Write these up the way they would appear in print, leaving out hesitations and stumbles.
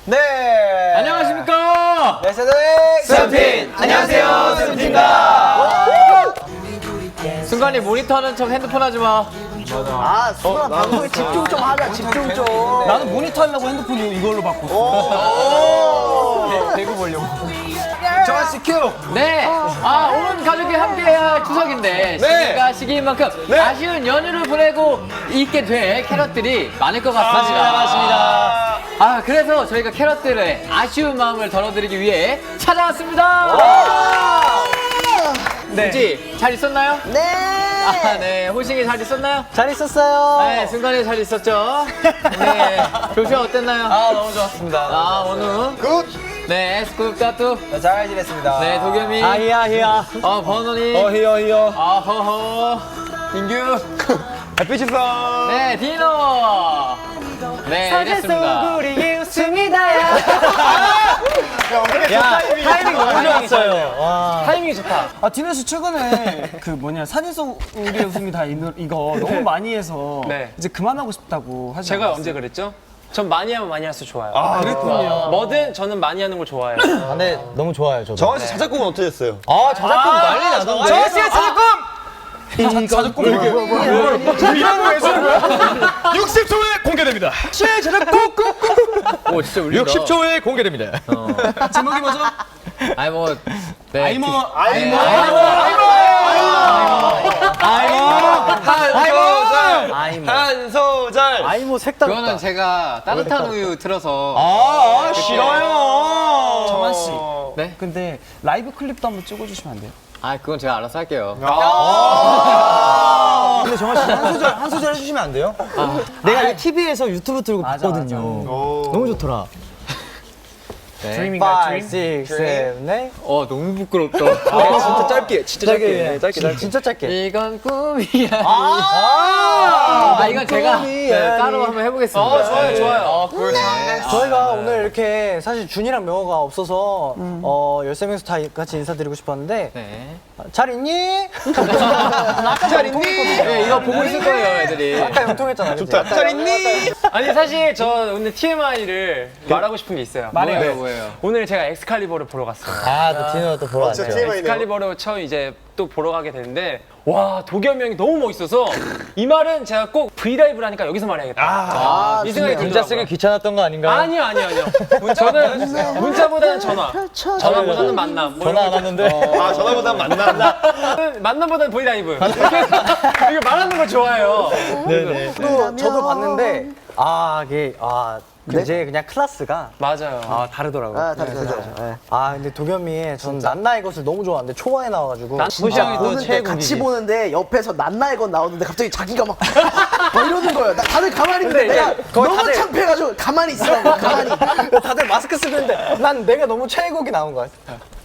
네. 안녕하십니까? 네, 세븐틴. 안녕하세요, 세븐틴입니다. 순간이 모니터 하는 척 핸드폰 하지 마. 아, 수아 방송에 집중 좀 하자, 집중 좀. 나는 모니터 하려고 핸드폰 이걸로 바꿨어. 대구 보려고. 정한씨 큐. 네. 온 가족이 함께해야 추석인데 시기가 시기인 만큼 아쉬운 연휴를 보내고 있게 될 캐럿들이 많을 것 같습니다. 맞습니다. 그래서 저희가 캐럿들의 아쉬운 마음을 덜어드리기 위해 찾아왔습니다. 네. 그치? 잘 있었나요? 네. 네. 호싱이 잘 있었나요? 잘 있었어요. 네, 순간에 잘 있었죠? 네. 조슈아 어땠나요? 너무 좋았습니다. 원우. 굿. 네, 스쿱 따뚜. 잘 지냈습니다. 네, 도겸이. 히야. 버논이. 히어. 허허. 인규. 햇빛이 써. 네, 디노. 네, 이랬습니다. 우리 웃음이다. 야, 타이밍 너무 좋았어요. 타이밍이 좋다. 디너 씨 최근에 사진 속 우리의 웃음이 다 이거 너무 많이 해서 이제 그만하고 싶다고 하지 제가 않았어요? 언제 그랬죠? 전 많이 하면 많이 할수록 좋아요. 그랬군요. 뭐든 저는 많이 하는 걸 좋아해요. 근데 너무 좋아요, 저도. 정한씨 자작곡은 어떻게 됐어요? 자작곡 난리 나던데. 정한 씨의 자작곡! 자작곡 이런 거 왜 주는 거야? 60초에 공개됩니다. 오, 진짜 울린다. 60초에 공개됩니다. 제목이 뭐죠? 네. 한 소절. 아이모 색다르다. 그거는 제가 따뜻한 우유 틀어서. 싫어요. 정한 씨. 네? 근데 라이브 클립도 한번 찍어주시면 안 돼요? 그건 제가 알아서 할게요. 근데 정말 한 소절 해주시면 안 돼요? 내가 이 TV에서 유튜브 틀고 맞아, 봤거든요. 너무 좋더라. 드림인가요? 5, 6, 7, 8. 너무 부끄럽다. 진짜 짧게. 진짜 짧게. 이건 꿈이야. 이건 제가 꿈이야. 따로 한번 해보겠습니다. 좋아요. 저희가 오늘 이렇게 사실 준이랑 명호가 없어서 13명이서 다 같이 인사드리고 싶었는데 네. 잘 있니? 잘 있니? 네, 이거 보고 있을 거예요, 애들이. 아까 영통했잖아. 좋다. 잘 있니? 아니 사실 저 오늘 TMI를 말하고 싶은 게 있어요. 뭐예요? 오늘 제가 엑스칼리버를 보러 갔어요. 또 디너 또 보러 왔어요. 엑스칼리버를 처음 이제 또 보러 가게 되는데 와 도겸이 형이 너무 멋있어서 이 말은 제가 꼭 브이라이브를 하니까 여기서 말해야겠다. 이 생각이 문자 쓰기 들더라고요. 귀찮았던 거 아닌가요? 아니요. 저는 문자보다는 전화보다는 만남. 뭐 전화 이런 안 왔는데. 전화보다 만나. 만남보다는 브이라이브. 이거 말하는 거 좋아해요. 네네. 저도 봤는데 이제 그냥 클래스가 맞아요. 다르더라고요. 다르죠. 근데 도겸이의 전 난나의 것을 너무 좋아하는데 초반에 나와가지고 호시형이 또 보는데 최애곡이지. 같이 보는데 옆에서 난나의 건 나오는데 갑자기 자기가 막 이러는 거예요. 다들 가만히 있는데 내가 너무 창피해가지고 가만히 있으라고 가만히. 다들 마스크 쓰고 있는데 난 내가 너무 최애곡이 나온 거야.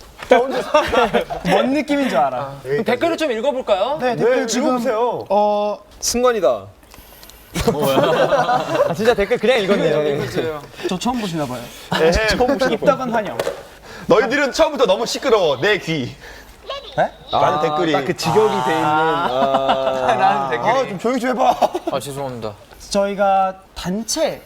뭔 느낌인 줄 알아. 그럼 댓글을 좀 읽어볼까요? 네, 댓글 지금 승관이다. 진짜 댓글 그냥 읽었네요. 저 처음 보시나 봐요. 처음 보시는 입다간 환영. 너희들은 처음부터 너무 시끄러워. 내 귀. 라는 댓글이. 딱 그 직역이 돼 있는. 라는 댓글이. 좀 조용히 좀 해봐. 죄송합니다. 저희가 단체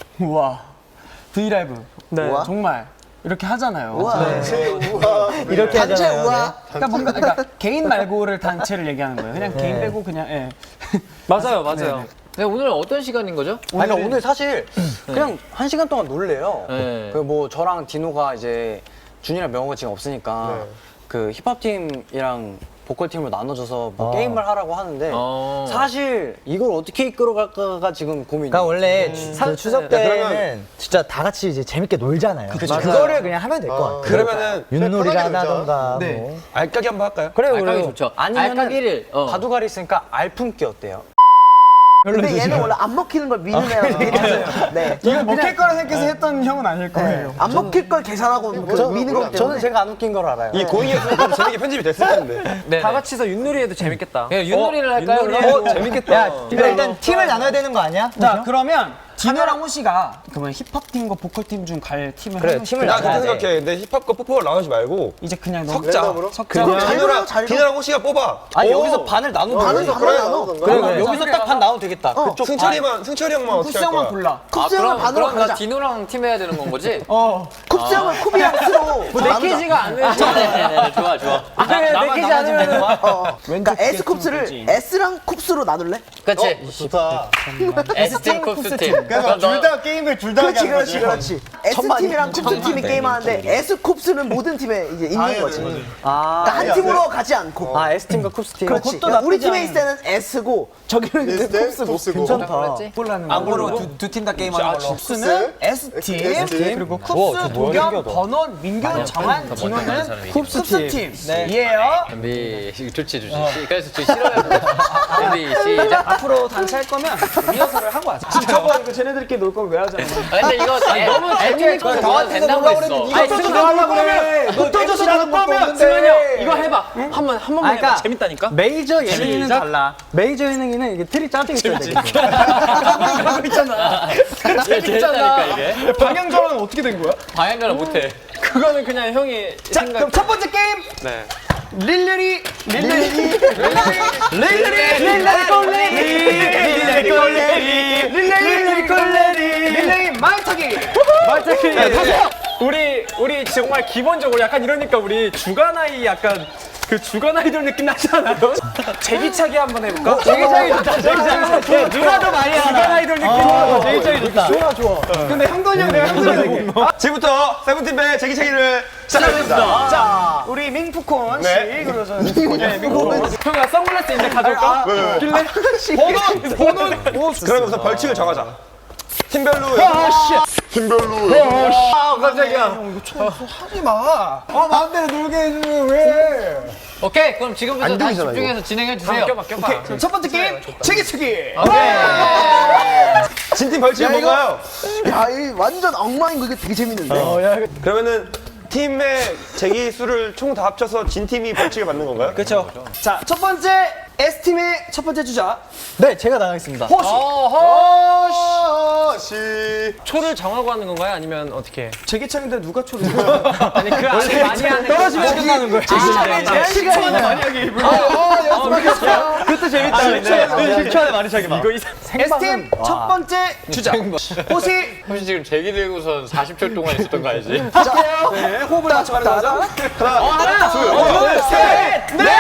브이라이브 우와. 정말 이렇게 하잖아요. 이렇게 단체 하잖아요. 우와. 그러니까 개인 말고를 단체를 얘기하는 거예요. 그냥 개인 빼고 그냥 맞아요. 네, 오늘 어떤 시간인 거죠? 그러니까 오늘 사실 그냥 1시간 동안 놀래요. 네. 뭐 저랑 디노가 이제 준이랑 명호가 지금 없으니까 그 힙합 팀이랑 보컬 팀으로 나눠져서 뭐 게임을 하라고 하는데 사실 이걸 어떻게 이끌어갈까가 지금 고민이에요. 그러니까 원래 그 추석 때는 진짜 다 같이 이제 재밌게 놀잖아요. 그거를 그냥 하면 될 것 같아요. 그러면은 윷놀이를 하던가 네. 뭐. 알까기 한번 할까요? 그래요, 알까기 좋죠. 아니면은 알까기를 바둑알이 있으니까 알품기 어때요? 근데 얘는 원래 안 먹히는 걸 미는 애라서. 네. 이거 먹힐 거라 생각해서 했던 형은 아닐 거예요. 안 먹힐 걸 계산하고 미는 거기 때문에. 저는 제가 안 웃긴 걸 알아요. 이 고잉이었으면 재밌게 편집이 됐을 텐데. 다 같이서 윷놀이 해도 재밌겠다. 윷놀이를 할까요? 그럼? 재밌겠다. 그래 일단 팀을 나눠야 되는 거 아니야? 자, 그러면 디노랑 호시가 그러면 힙합 팀과 보컬 팀 중 갈 팀을 그래, 한 명씩 팀을 나 나눠야 그렇게 돼. 생각해. 근데 힙합과 뽀뽀를 나누지 말고 이제 그냥 석자. 디노랑 호시가 뽑아. 아니 오. 여기서 반을 나누면 반을 나눠. 그래, 여기서 딱 반 나누면 되겠다. 그쪽 승철이 형만 어떻게 할 쿠스 형만 거야? 골라. 쿱스 형을 반으로 그럼 나 가자. 디노랑 팀 해야 되는 건 거지? 쿱스 형을 쿠비랑 스로 내키지가 않으면 좋아 좋아. 내키지 않으면 그러니까 S 쿱스를 S랑 쿱스로 나눌래? 그렇지. 좋다. S팀 쿱스 팀. 그럼 둘 다 게임을 둘 다 하게 하는 거지. 그렇지. S 팀이랑 쿱스 팀이 게임하는데 S 쿱스는 모든 팀에 이제 있는 거지. 그러니까 한 팀으로 가지 않고. 아 S팀과 쿱스 팀. 그렇지. 그러니까 우리 팀에 있을 때는 S고 저기는 이제 쿱스고. 괜찮다. 앞으로 두 팀 다 게임하는 걸로. 쿱스는 S팀, 그리고 쿱스, 도겸, 번원, 민규, 정한, 디노는 쿱스 팀. 이해요? 준비 좋지. 그래서 저 싫어요. 준비 시작. 앞으로 단체 할 거면 리허설을 하고 하자. 저거 이거 쟤네들끼리 놀 거면 왜 하잖아. 근데 이거 너무 재밌게 더 된다고 했어. 아니 하려고 그래. 너 떠줘서라는 거면 승현이 형 이거 해봐. 한 번만 그러니까 해봐. 재밌다니까. 메이저 예능이는 달라. 메이저 예능이는 이게 틀이 짜져 있어야 돼. 재밌다니까 이게. 방향전환은 어떻게 된 거야? 방향전환 못해. 그거는 그냥 형이 자, 생각. 그럼 첫 번째 게임. 네. 릴레리 말타기. 우리 정말 기본적으로 약간 이러니까 우리 주간 아이 약간 그 주간 아이돌 느낌 나지 않아요? 제기차기 한번 해볼까? 제기차기 좋다. 제기차기 누가 더 많이 주간 하나? 아이돌 느낌. 제기차기 좋다. 근데 형돈이 형 내가 형돈이 지금부터 세븐틴의 제기차기를 시작하겠습니다. 자, 우리 민프콘 씨 그래서 형아 선글라스 이제 가져올까? 왜? 번호 그러면 우선 벌칙을 정하자. 팀별로. 하지 마. 마음대로 놀게 해주면 왜? 오케이 그럼 지금부터 다시 집중해서 진행해 주세요. 껴봐. 첫 번째 게임 제기차기. 진팀 벌칙은 뭔가요? 야, 이 완전 엉망인 거 이거 되게 재밌는데. 그러면은 팀의 제기 수를 총 다 합쳐서 진 팀이 벌칙을 받는 건가요? 그렇죠. 자, 첫 번째 S-팀의 첫 번째 주자 네, 제가 나가겠습니다. 초를 정하고 하는 건가요? 아니면 어떻게? 제기차기인데 누가 초를 아니 그 안에 많이 하는 떨어지면 끝나는 거야. 제한 시간이 많이 하기. 그것도 재밌다. 10초 안에 많이 차기 봐. S-팀 첫 번째 주자. 호시. 혹시 지금 제기 들고선 40초 동안 있었던 거 알지? 네, 호흡을 맞춰가는 거죠. 하나, 둘, 셋, 넷.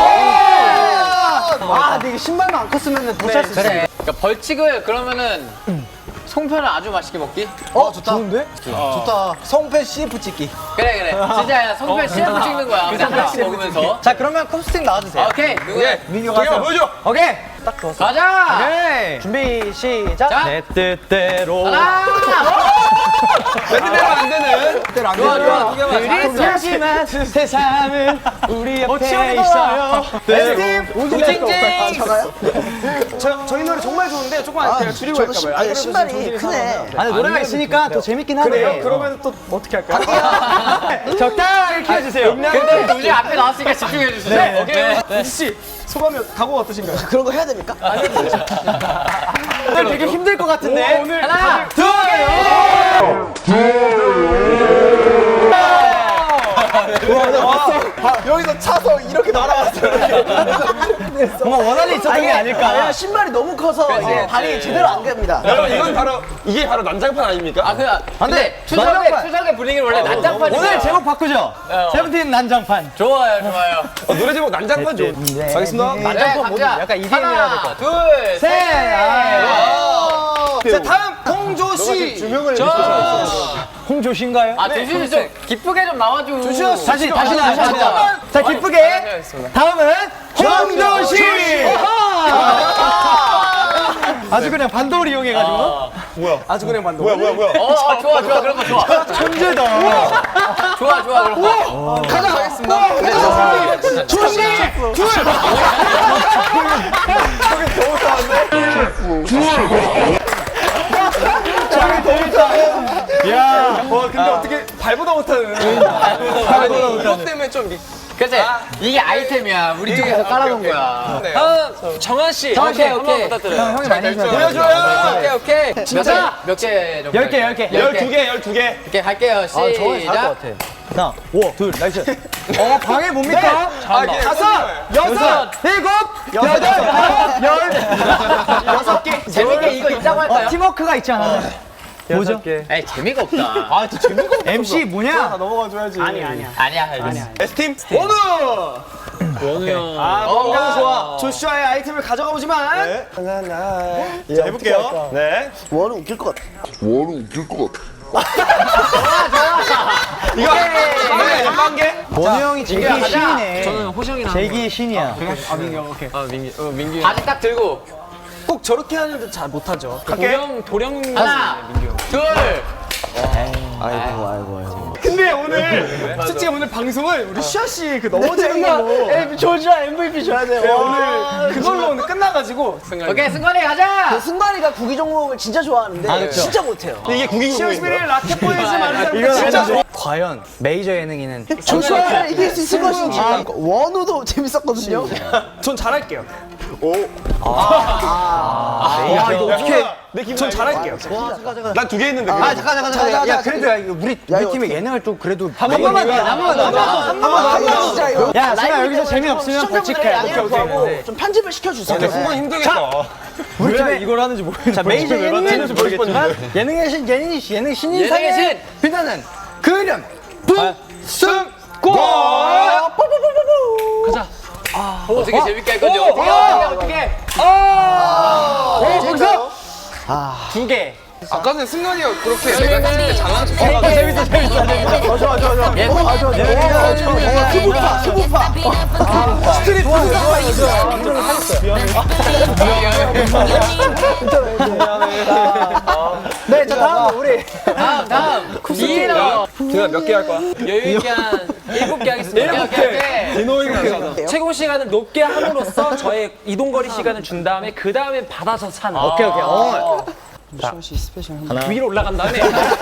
아, 근데 이게 신발만 안 컸으면 못할 수 있어. 그래. 그러니까 벌칙을 그러면은 송편을 아주 맛있게 먹기? 좋다. 좋은데? 좋다. 성패 CF 찍기. 그래. 진짜 송편 CF 찍는 거야. 송편 먹으면서. 자 그러면 쿱스 팀 나와주세요. 오케이. 누구야? 민규가 동현아 보여줘. 오케이. 가자. 준비 시작. 자. 내 뜻대로. 하나. 밴드대로 안 되는. 좋아. 하지만 세상은 우리 옆에 있어요. S-팀 우징징. 저희 노래 정말 좋은데 조금만 제가 줄이고 할까 봐요. 아니, 신발이 크네. 아니 노래가 있으니까 더 재밌긴 하네. 그러면 또 어떻게 할까요? 적당히 키워주세요. 근데 우리 앞에 나왔으니까 집중해 주세요. 네. 오케이. 우지 씨 소감이 각오 어떠신가요? 그런 거 해야 됩니까? 오늘 되게 힘들 것 같은데. 오늘 하나, 둘. 여기서 차서 이렇게 날아갔어요. 뭔가 원한이 있었던 게 아닐까. 왜냐면 신발이 너무 커서 이제 발이 제대로 안 갑니다. 여러분 이게 바로 난장판 아닙니까? 아, 근데 추석의 분위기는 원래 난장판이야. 오늘 제목 바꾸죠. 세븐틴 난장판. 좋아요. 노래 제목 난장판 좋. 알겠습니다. 난장판 뭐지? 약간 EDM이라 될것 하나, 둘, 셋. 자 다음 홍조 씨. 홍조신가요? 아, 조슈 좀 기쁘게 좀 나와줘. 다시 잠깐만. 자 기쁘게. 다음은 홍조씨. 아주 그냥 반도를 이용해가지고. 아주 그냥 반도. 뭐야? 좋아. 그런 거 좋아. 천재다. 좋아, 그런 거. 조시. 야, 근데 어떻게 발보다 못하는. 이것 때문에 좀. 그치? 이게 아이템이야. 우리 쪽에서 깔아놓은 거야. 다음 정한 씨. 오케이. 한번 부탁드려요. 형이 많이 해줘요. 보여줘요. 오케이. 진짜? 몇 개? 10개. 12개. 오케이, 갈게요. 정말 잘할 것 시작. 같아. 하나, 둘, 나이스. 방해 뭡니까? 다섯, 여섯, 일곱, 여덟, 여섯 개. 재밌게 이거 있다고 할까요? 팀워크가 있지 않아? 뭐죠? 에이, 재미가 없다. 아, 진짜 재밌어. MC 뭐냐? 아니야. S팀 원우. 원우 형. 뭔가 좋아. 조슈아의 아이템을 가져가 보지만. 네. 자, 해볼게요. 네. 원은 웃길 것 같아. 이거 연방계. 원우 형이 제기의 가자. 신이네. 저는 호정이랑. 제기의 신이야. 민규. 바지 딱 들고. 꼭 저렇게 하는데 잘 못하죠. 도령. 하나, 둘. 근데 오늘 솔직히 오늘 방송을 우리 슈아 씨 그 넘어지는 걸로 조슈아 MVP 줘야 돼요. 오늘 그걸로 오늘 끝나가지고 오케이, 승관이 가자. 승관이가 구기 종목을 진짜 좋아하는데 진짜 못해요. 이게 국인 슈아 국민이야. 씨를 라켓 보이지 말자. 이거 진짜 진짜 과연 메이저 예능인은 조슈아를 이길 수 있을 것인지. 원우도 재밌었거든요. 전 잘할게요. 이거 어떻게? 내 기분 전 잘할게요. 난 2개 했는데. 잠깐. 야, 그래도 야, 이거 우리 팀의 예능을 좀 그래도 한 번만 진짜 이거. 야, 승아 여기서 재미없으면 벌칙해. 오케이. 좀 편집을 시켜주세요. 순간 힘들겠다. 우리 팀에 이걸 하는지 모르겠어. 자, 메이저 예능인 예능의 신, 예능 신인상에 예능의 신. 빛나는 그 이름 승고. 어떻게 재밌게 할 건지 어떻게. 거기서 두 개. 아까 전에 승관이가 그렇게 내가 했을 때 잘난 척. 수부파. 네, 자 다음 우리 다음. 이인호. 제가 몇 개 할 거야? 여유 있게 한 7개 하겠습니다. 오케이. 최고 시간을 높게 함으로써 저의 이동거리 시간을 준 다음에 그 다음에 받아서 차는. 오케이. 위로 올라간 다음에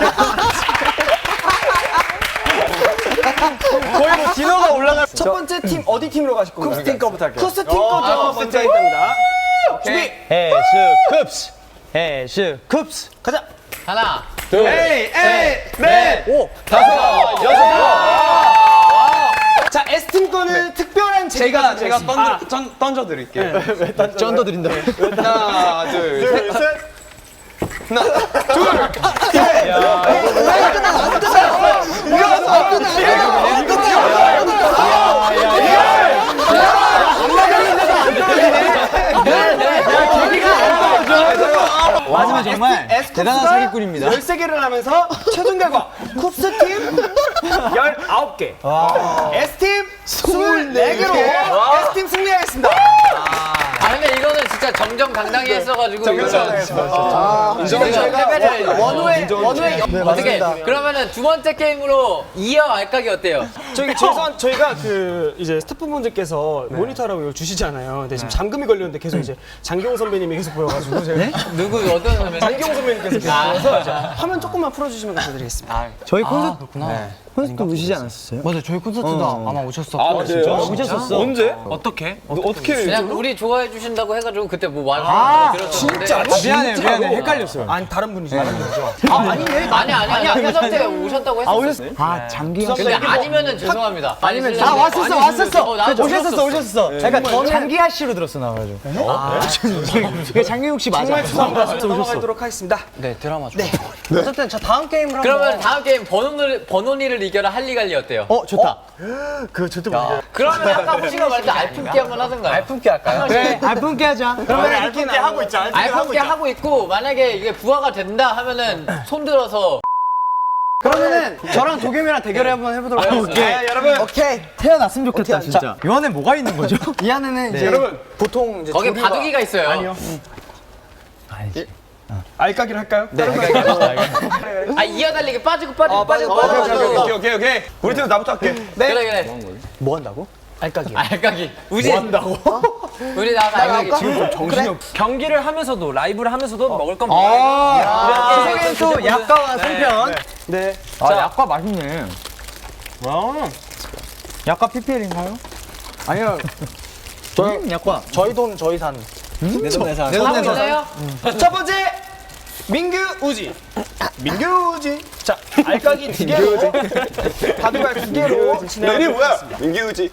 거의 뭐 디너가 올라갈 첫 번째 팀 어디 팀으로 가실 건가요? 쿱스 팀 거부터 할게요. 쿠스 팀 거죠. 먼저 입니다. 준비. 해스 쿱스 가자. 하나. 자, S팀 거는 특별한 제가 던져 드릴게요. 쩐더 드린다. 하나, 둘, 셋. 마지막 정말 대단한 사기꾼입니다. 13개를 하면서 최종 결과 쿱스 팀 19개, S팀 24개로 S팀 승리하겠습니다. 근데 이거는 진짜 정정당당히 했어가지고. 원우의 어떻게? 그러면은 두 번째 게임으로 이어 알까기 어때요? 저희가 그 이제 스태프분들께서 모니터라고 이걸 주시잖아요. 근데 지금 잠금이 걸렸는데 계속 이제 장기용 선배님이 계속 보여가지고 제가 누구 어떤 선배님? 장기용 선배님께서 계속 보여서 이제 화면 조금만 풀어주시면 감사드리겠습니다. 저희 콘서트 콘서트 오시지 않았어요? 맞아요. 저희 콘서트도 아마 오셨었고. 진짜? 오셨었어. 언제? 어떻게? 그냥 우리 좋아해 주신다고 해가지고 그때 뭐 말하는 거 들었었는데. 미안해. 헷갈렸어요. 아니 다른 분이죠. 아니야. 회사 때 오셨다고 했었어. 장기영 씨. 근데 아니면은 죄송합니다. 아니면 왔었어. 그러니까 장기하 씨로 들었어 나가지고. 그 장기용 씨 맞아. 넘어가도록 하겠습니다. 네, 드라마 좋아. 어쨌든 자 다음 게임을 한번. 그러면 다음 게임 번호니를 이겨라 할리갈리 어때요? 좋다. 그러면 아까 호시가 말했던 알품기 한번 하던가요? 알품기 할까요? 그래, 알품게 하자. 그러면 알게 하고 있죠. 알품기 하고 있고 만약에 이게 부하가 된다 하면은 손 들어서 그러면은 저랑 도겸이랑 대결을 한번 해보도록 하겠습니다. 여러분 오케이. 태어났으면 좋겠다 진짜. 이 안에 뭐가 있는 거죠? 이 안에는 이제 여러분 보통 이제 거기 바둑이가 있어요. 아니요. 알까기를 할까요? 네, 이어달리기 빠지고. 오케이. 우리 팀은 나부터 할게. 그래. 뭐 한다고? 알까기. 알까기. 우지. 뭐 한다고? 우리 나와서 알까기. 지금 좀 정신이 없. 경기를 하면서도 라이브를 하면서도 먹을 건 먹어야죠. 추석엔 또 약과와 송편. 네. 아, 약과 맛있네. 약과 PPL인가요? 아니요. 약과. 저희 돈 저희 산. 내돈내산. 있나요? 첫 번째 민규 우지. 민규 우지. 자 알까기 2개로 바둑알 2개로 이름이 뭐야? 민기우지.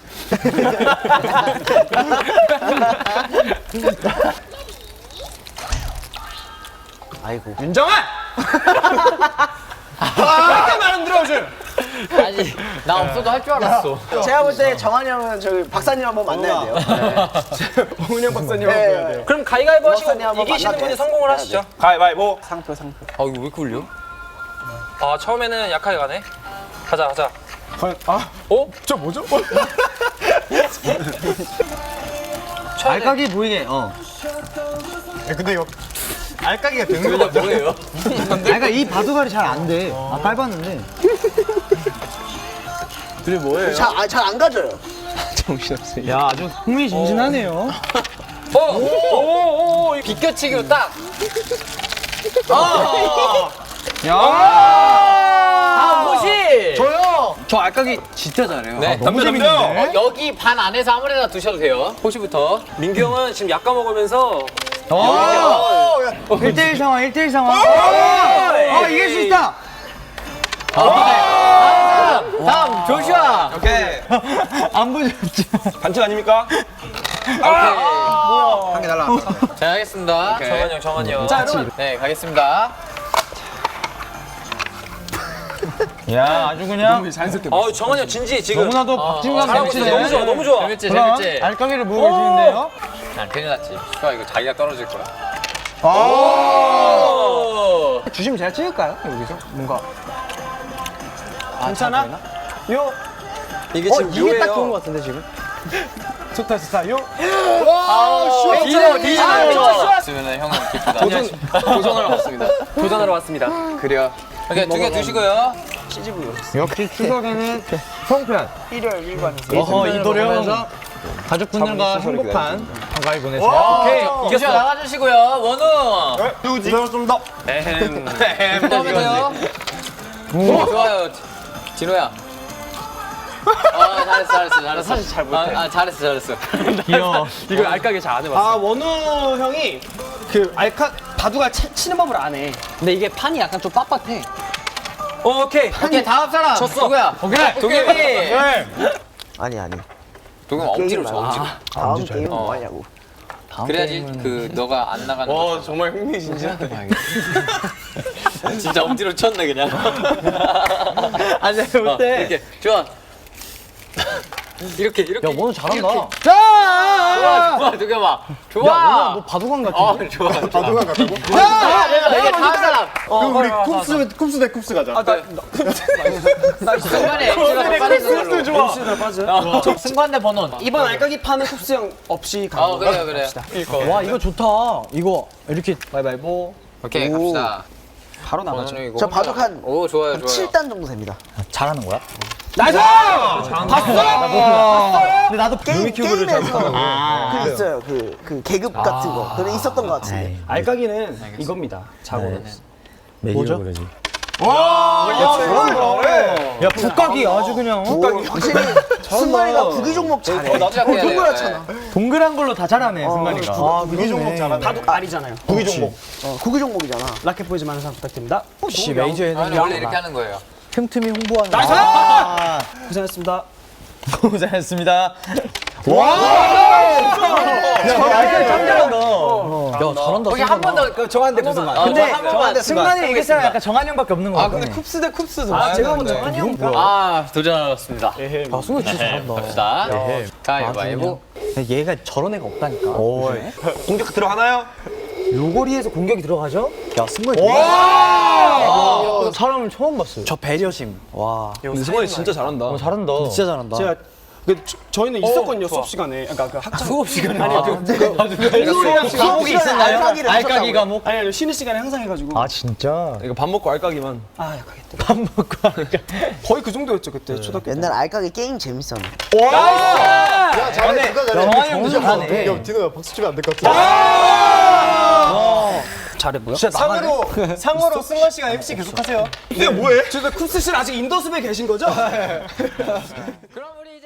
아이고. 윤정아. 이렇게 말 안 들어줘. 아니 나 없어도 할 줄 알았어. 제가 볼 때 정한이 형은 저기 박사님 한번 만나야 돼요. 홍은영 박사님 네. 한번 네. 그럼 가위가위보 하시고 박사님 한번 이기시는 만나게. 분이 성공을 하시죠. 가위바위보. 상표. 아 이거 왜 이렇게 울려? 아 처음에는 약하게 가네. 가자. 저 뭐죠? 알까기 보이게. 근데 이거 알까기가 되는 거 뭐예요? 그러니까 이 바둑알이 잘 안 돼. 아, 깔봤는데. 잘 안 가져요. 야, 아주 흥미진진하네요. 오. 비껴치기로 딱. 아 무시. 저 알까기 진짜 잘해요. 네. 너무 재밌는데? 여기 반 안에서 아무데나 두셔도 돼요. 호시부터. 민규 형은 지금 약간 먹으면서 1대1 상황, 1대1 상황. 이길 수 있다. 다음 조슈아. 오케이. 안 보여줬지. 반칙 아닙니까? 한개 달라. 자 하겠습니다. 정한이 형. 자 여러분. 네 가겠습니다. 야, 아주 그냥 정한이 형 진지 지금 너무나도 박진감 잘하고 있어. 넘치네. 너무 좋아. 재밌지 그럼 재밌지. 알까기를 보고 계시는데요. 난 큰일 났지. 슈아 이거 자기가 떨어질 거야. 주시면 제가 찍을까요? 여기서 뭔가. 괜찮아? 요. 이게 지금 이게 딱 좋은 묘해요. 것 같은데 지금. 좋다. 요. 디노. 있으면은 형은 기쁘다. 도전하러 왔습니다. 도전하러 왔습니다. 그래요. 이렇게 두 개 드시고요. 역시 추석에는 송편. 일요일 일반에서. 이 노래하면서 가족분들과 행복한 한가위 보내세요. 오케이. 조슈아 나가주시고요. 원우. 누구지? 고맙습니다. 다음에 돼요. 좋아요. 진호야. 잘했어. 사실 잘 못해. 잘했어. 귀여워. 이걸 알까기 잘 안 해봤어. 아 원우 형이 그 바둑알 치는 법을 안 해. 근데 이게 판이 약간 좀 빳빳해. 오케이. 오케이 다음 사람. 졌어. 누구야? 오케이. 도겸이. 아니. 도겸 억지로 줘 억지로. 다음 게임은 뭐 하냐고. 그래야지 그 너가 안 나가는 거. 정말 흥미진진하다. 진짜 억지로 쳤네 그냥. 아니 볼때 이렇게 좋아. 이렇게. 야, 원우 잘한다. 좋아 도겸아. 좋아. 야, 너 바둑왕 같은데? 좋아. 바둑만 같다고? 이게 다음 사람. 그럼 우리 쿱스 대 쿱스 가자. 순간에 엑스가 빠지는 걸로. 좋아. 승관대 번원. 이번 알까기 판은 쿱스 형 없이 가는 거. 그래. 와, 이거 좋다. 이거 이렇게 바이바이보. 오케이 갑시다. 바로 나가죠. 번원은 이거 저 바둑 한 오 좋아요. 7단 정도 됩니다. 잘하는 거야? 나이스! 근데 나도 게임에서 그 있어요. 그 계급 같은 거. 그래 있었던 것 같은데. 알까기는 이겁니다. 자고로. 뭐죠? 야, 북각이 아주 그냥 확실히 승관이가 구기 종목 잘해. 동그랗잖아. 동그란 걸로 다 잘하네, 승관이가. 구기 종목 잘하네. 바둑 알이잖아요. 구기 종목. 구기 종목이잖아. 라켓 보이즈 많은 사랑 부탁드립니다. 혹시 메이저에는 아니 원래 이렇게 하는 거예요. 틈틈이 홍보하는. 고생했습니다. 고생했습니다. 야, 잘한다. 거기 한 번 더. 정한대 무슨 말? 근데 한 번만 승관이 이길 사람 약간 정한영밖에 없는 거 같아. 쿱스 대 쿱스도. 아, 제가 먼저 한이 형. 도전하겠습니다. 아, 승우 진짜 잘한다. 갑시다. 가위바위보. 얘가 저런 애가 없다니까. 공격 들어가나요? 요거리에서 공격이 들어가죠? 야, 승관이. 사람을 처음 봤어요. 저 배려심. 와. 승관이 진짜 잘한다. 잘한다. 진짜 잘한다. 제가 저희는 있었거든요 수업 시간에. 그러니까 그 학창 수업 시간에 아니 과목이 있었나요? 알까기 과목? 아니 쉬는 시간에 항상 해가지고. 아 진짜? 이거 밥 먹고 알까기만. 밥 먹고 거의 그 정도였죠 그때 초등학교 때. 옛날 알까기 게임 재밌었는데. 야, 잘해. 누가 잘해. 정환이 형 잘하네. 야, 디노야 박수 치면 안 될 것 같아. 잘해보여? 상어로 승관 씨가 MC 계속하세요. 이게 뭐해? 저 쿱스 씨는 아직 인더숲에 계신 거죠? 그럼 우리